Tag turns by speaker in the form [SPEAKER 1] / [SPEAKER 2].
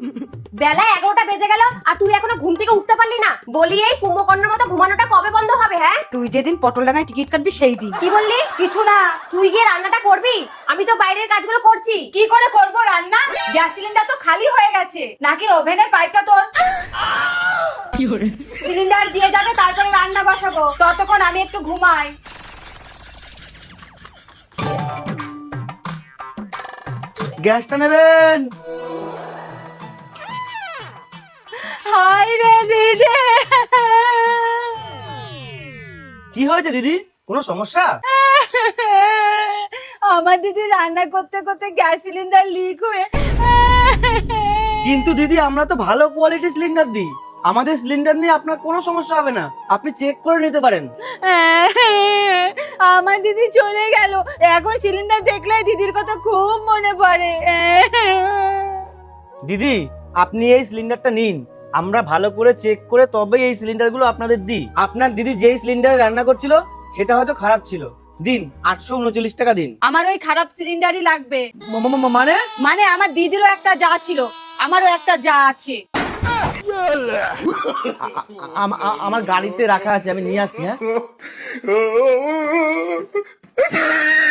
[SPEAKER 1] বেলা 11টা বেজে গেল আর তুই এখনো ঘুম থেকে উঠতে পারলি না। বলি এই কুম্ভকর্ণের মতো ঘুমানোটা কবে বন্ধ হবে? হ্যাঁ,
[SPEAKER 2] তুই যেদিন পটলডাঙ্গায় টিকিট কাটবি সেই দিন।
[SPEAKER 1] কি বললি?
[SPEAKER 2] কিছু না।
[SPEAKER 1] তুই গিয়ে রান্নাটা করবি? আমি তো বাইরের কাজগুলো করছি।
[SPEAKER 2] কি করে করব রান্না? গ্যাস সিলিন্ডার তো খালি হয়ে গেছে। নাকি ওভেনের পাইপটা তোর? সিলিন্ডার দিয়ে যাবে, তারপরে রান্না বসাবো। ততক্ষণ আমি একটু ঘুমাই।
[SPEAKER 3] গ্যাসটা নেবেন।
[SPEAKER 2] হাই রে দিদি,
[SPEAKER 3] কি হয়েছে দিদি, কোনো সমস্যা?
[SPEAKER 2] আমার দিদি রান্না করতে করতে গ্যাস সিলিন্ডার লিক হয়ে।
[SPEAKER 3] কিন্তু দিদি আমরা তো ভালো কোয়ালিটি সিলিন্ডার দিই, আমাদের সিলিন্ডার নিয়ে আপনার কোনো সমস্যা হবে না, আপনি চেক করে নিতে পারেন।
[SPEAKER 2] আমার দিদি চলে গেল, এখন সিলিন্ডার দেখলে দিদির কথা খুব মনে পড়ে।
[SPEAKER 3] দিদি আপনি এই সিলিন্ডারটা নিন, আমরা ভালো করে চেক করে তবেই এই সিলিন্ডারগুলো আপনাদের দিই। আপনার দিদি যেই সিলিন্ডারে রান্না করছিল সেটা হয়তো খারাপ ছিল, দিন 839 টাকা দিন।
[SPEAKER 2] আমার ওই খারাপ সিলিন্ডারই লাগবে।
[SPEAKER 3] মানে
[SPEAKER 2] মানে আমার দিদিরও একটা যা ছিল, আমারও একটা যা আছে।
[SPEAKER 3] আমার গাড়িতে রাখা আছে, আমি নিয়ে আসছি। হ্যাঁ